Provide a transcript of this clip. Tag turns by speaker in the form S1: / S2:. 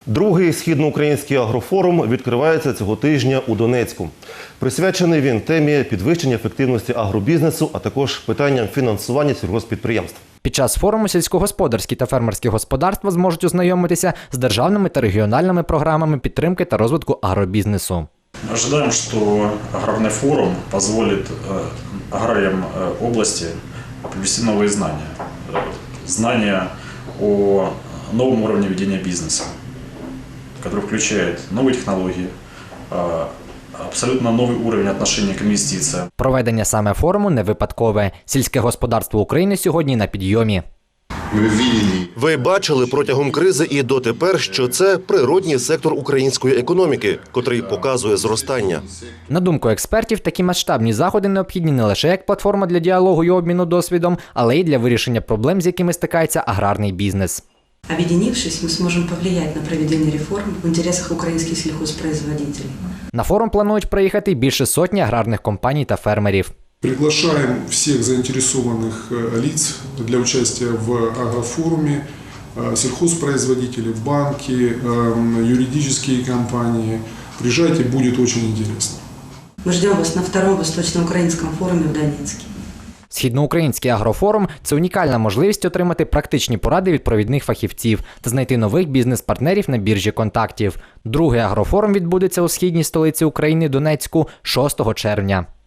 S1: Другий східноукраїнський агрофорум відкривається цього тижня у Донецьку. Присвячений він темі підвищення ефективності агробізнесу, а також питанням фінансування сільгосппідприємств.
S2: Під час форуму сільськогосподарські та фермерські господарства зможуть ознайомитися з державними та регіональними програмами підтримки та розвитку агробізнесу.
S3: Ожидаем, что аграрный форум позволит аграриям области привнести новые знания. Знания о новом уровне ведения бизнеса, который включает новые технологии, абсолютно новый уровень отношения к инвестициям.
S2: Проведення саме форуму не випадкове. Сільське господарство України сьогодні на підйомі.
S4: Ви бачили протягом кризи і дотепер, що це природній сектор української економіки, котрий показує зростання.
S2: На думку експертів, такі масштабні заходи необхідні не лише як платформа для діалогу і обміну досвідом, але й для вирішення проблем, з якими стикається аграрний бізнес.
S5: Объединившись, мы сможем повлиять на проведение реформ в интересах украинских сельхозпроизводителей.
S2: На форум планують приїхати більше сотні аграрних компаній та фермерів.
S6: Приглашаем всех заинтересованных лиц для участия в агрофоруме, сельхозпроизводители, банки, юридические компании. Приезжайте, будет очень интересно.
S5: Мы ждем вас на втором Восточноукраинском форуме в Донецке.
S2: Східноукраїнський агрофорум – це унікальна можливість отримати практичні поради від провідних фахівців та знайти нових бізнес-партнерів на біржі контактів. Другий агрофорум відбудеться у східній столиці України Донецьку 6 червня.